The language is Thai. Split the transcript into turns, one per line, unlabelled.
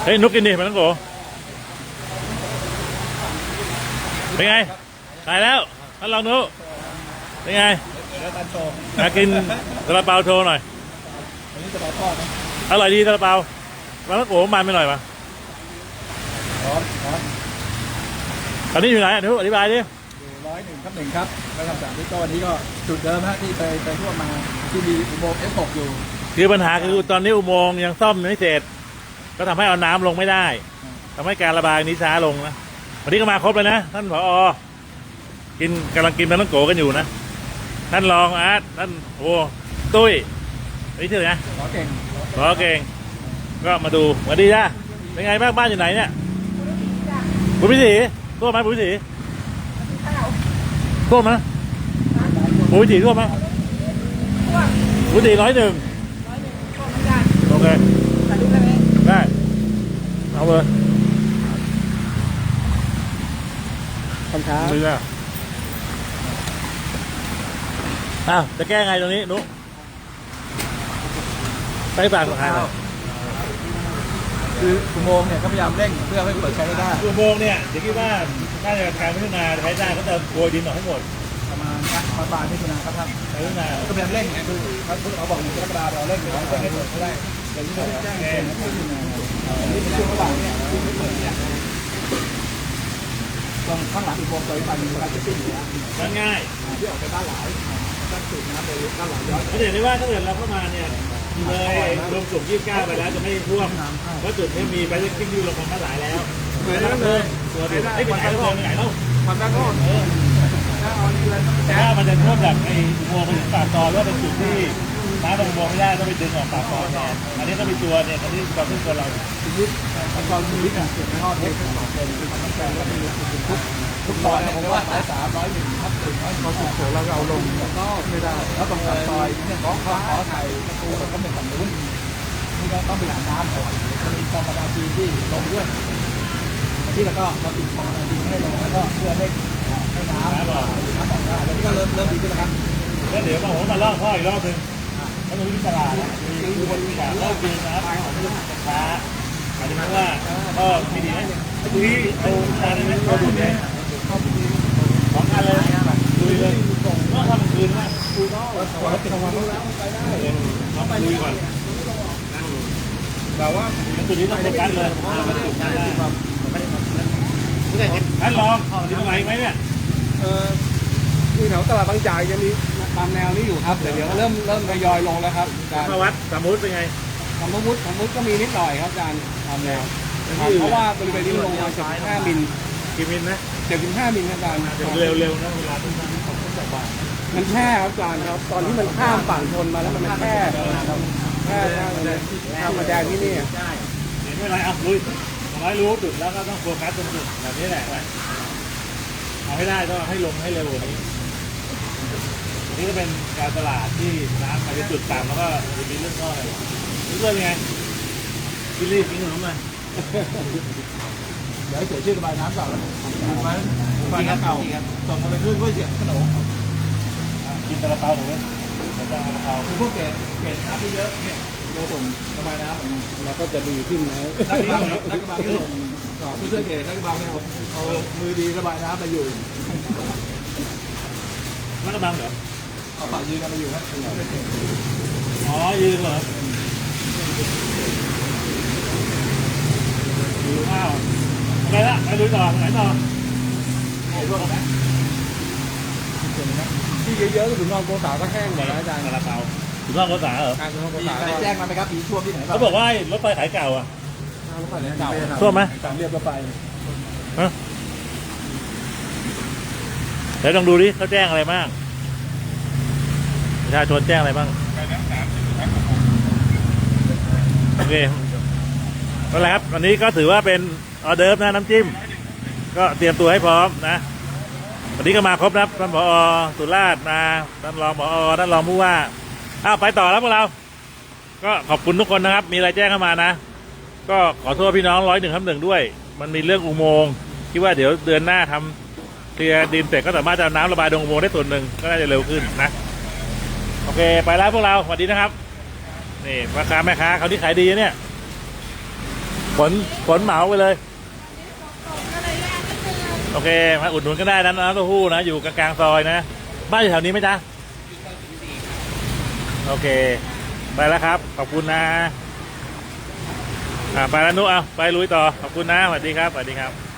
เฮ้ยนุกกินดิมันต้องโกเป็นไงตายแล้วท่านลองนุเป็นไงมากินซาลาเปาโชว์หน่อย
อันนี้ซาลาเปานะ
อร่อยดีซาลาเปามันต้องโกมันไม่หน่อยปะ
ร้อน
ตอนนี้อยู่ไหนนุอธิบายดิ
อยู่101/1ครับแล้วทำ3ที่ก็วันนี้ก็จุดเดิมฮะที่ไปทั่วมาที่มีอุโมงค์ F6 อยู่
คือปัญหาคือตอนนี้อุโมงค์ยังซ่อมไม่เสร็จก็ทำให้เอาน้ำลงไม่ได้ทำให้การระบายนี้ช้าลงนะวันนี้ก็มาครบเลยนะท่านผอ.กำลังกินมันต้องโกกันอยู่นะท่านรองอาร์ตท่านโอ้ตุ้ยนี่ชื่ออะไรนะ
ขอเก่ง
ก็มาดูสวัสดีจ้าเป็นไงบ้างบ้านอยู่ไหนเนี่ยบุญพิถีทั่วไหมบุญพิถีทั่วไหมบุญพิถีทั่วไหมบุญพิถี101โอเคได้เอาเลย
คำท้า
เรืออ้าวจะแก้ไงตรงนี้นุ๊กไปฝากทาง
คืออุโมงค์เนี่ยก็พยายามเร่งเพื่อให้เปิดใช้ได้
อุโมงค์เนี่ยเดี๋ยวคิดว่าน่าจะการพัฒนาใช้ได้เขาจะโกยดินออกให้หมด
ประมาณปลายมิถุนายนครับท่าน
พัฒนา
ก็พยายามเร่งคือเขาบอก1 กรกฎาคมเราเร่งให้เปิดได้เดี๋ยวนี้เราแจ้งเกณฑ์นี่เป็นช่วงระหว่างเนี่ยที่ไม่เปิดเนี่ยตรงข้างหลังอุโมงค์ตัวอีกฝั่งนึงเราจะขึ้นอยู่
แล้วง่าย
ที่ออกไปบ้านหลายตั้งจุดน้ำไปบ้านหลายย้อน
เขาเห็นได้ว่าถ้าเกิดเราเข้ามาเนี่ยเลยรวมกลุ่ม29ไปแล้วจะไม่ท่วมเพราะจุดนี้มีไปที่อยู่ลงมาบ้านหลายแล้ว
เหมือนนั้นเลย
ไอ้เป็นไหนเราไหนเรา
ความตั้งก้อน
ถ้ามันจะท่วมจากไอ้อุโมงค์ไปถึงปากซอยว่าเป็นจุดที่น้ำลงอุโมงค์ไม่ได้ต้องไปดึงออกปากซอยแทนอันนี้ต้องไปตัวเนี่ยอันนี้ความที่ตัวเรา
ชีวิตตอนชีวิตเนี่ยเกิดในห้องเทคเป็นแฟนแล้วมีทุกซอยผมว่า301ทับ100พอสุดโขเราเอาลงก็ไม่ได้แล้วตรงซอยเนี่ยขอไทยประตูเราก็เป็นฝั่งนู้นนี่ก็ต้องไปหาน้ำก่อนมันมีกองประดาจีที่ลงด้วยที่แล้วก็เราติดกองประดาจีให้ลงแล้วก็เพื่อให้น้ำออกได้แล้วนี่ก็เริ่มดีขึ้นแล้วครับ
แล้วเดี๋ยวผมมาล่องพ่ออีกรอบนึงแล้วมีวิชามีคนวิชาเลิกกินนะครับช้าอาจจะว่าก็ไม่ดีนะทีนี้เอาจานนี้เราดูเนี่ย2 อันเลยดูเลยก็ทำคืนนะ
ดูก็ติดวันแล้วไปได้
เราไปดูก่อน
แต่ว่า
จุดนี้ต้องโฟกัสเลยท่านลองที่ตรงไหนไหมเนี่ย
ที่แถวตลาดบางจากยังมีตามแนวนี้อยู่ครับเดี๋ยวเริ่มทยอยลงแล้วครับ
อาจารย์วัดสมมุติเป็นไง
สมมุติก็มีนิดหน่อยครับอาจารย์ตามแนวเพราะว่าบริเวณนี้ลงมา75 มิล
กี่มิลนะ
75 มิลอาจารย์
เร็วนะเวลาต้องจากบ้าน
มันแค่ครับอาจารย์ครับตอนที่มันข้ามฝั่งชนมาแล้วมันแค่เลยข้ามมาแดงที่นี่
ใช่เห็นไม่ไรลุยรู้จุดแล้วก็ต้องโฟกัสตรงจุดแบบนี้แหละเอาให้ได้ต้องให้ลงให้เร็วกว่านี้นี่ก็เป็นการตลาดที่น้ำมาจะจุดต่ำแล้วก็มีเรื่องก้อนอะไรนี่เรื่องไงกินรีบกินขนมเลย
เดี๋ยวเสียชื่อระบายน้ำเก่าแล้วระบายน้ำเก่าส่งมาเป็นเพื่อเสียขนม
กินซาลาเปาหรือไม่ซาลาเปา
คือพวกเกล็ดน้ำที่เยอะเนี่ยเราส่งระบายน้ำเราก็จะดีขึ้นนะนักกระบาดที่ส่งผู้ช่วยเกล็ดนักกระบาดเอามือดีระบายน้ำมาอยู่
นักกระบังเหรอ
เอาปากยืนกันมาอยู่นะ
อ๋อยืนเหรออยู่ข้าวอะไรละไปดูต่อไหนต่อ
ที่เยอะๆก็ถึงนอนโกษาก็แห้งหมดแล้วอาจารย์
ซาลาเปาถึงนอนโกษาเหรอ
มีแจ้งมาไหมครับปีช่วงที่ไหน
เขาบอกว่ารถไฟขายเก่าอ่ะ
รถไฟเก่า
ช่วงไหม
การเรียบรถไฟ
เดี๋ยวลองดูดิเขาแจ้งอะไรบ้างประชาชนแจ้งอะไรบ้างโอเคนั่นแหละครับวันนี้ก็ถือว่าเป็นออเดิร์ฟนะน้ำจิ้มก็เตรียมตัวให้พร้อมนะวันนี้ก็มาครบนะท่านผอ.สุราษฎร์มาท่านรองผอ.ท่านรองผู้ว่าไปต่อแล้วพวกเราก็ขอบคุณทุกคนนะครับมีอะไรแจ้งเข้ามานะก็ขอโทษพี่น้อง101/1ด้วยมันมีเรื่องอุโมงค์คิดว่าเดี๋ยวเดือนหน้าทำเคลียร์ดินเสร็จก็สามารถจะน้ำระบายลงอุโมงค์ได้ส่วนหนึ่งก็น่าจะเร็วขึ้นนะโอเคไปแล้วพวกเราสวัสดีนะครับนี่พ่อค้าแม่ค้าเขาที่ขายดีเนี่ยขนเหมาไปเลย โอเคมาอุดหนุนก็ได้นะน้ำเต้าหู้นะอยู่กลางๆซอยนะบ้านอยู่แถวนี้ไหมจ๊ะโอเคไปแล้วครับขอบคุณนะไปแล้วนุ๊กเอาไปลุยต่อขอบคุณนะสวัสดีครับสวัสดีครับ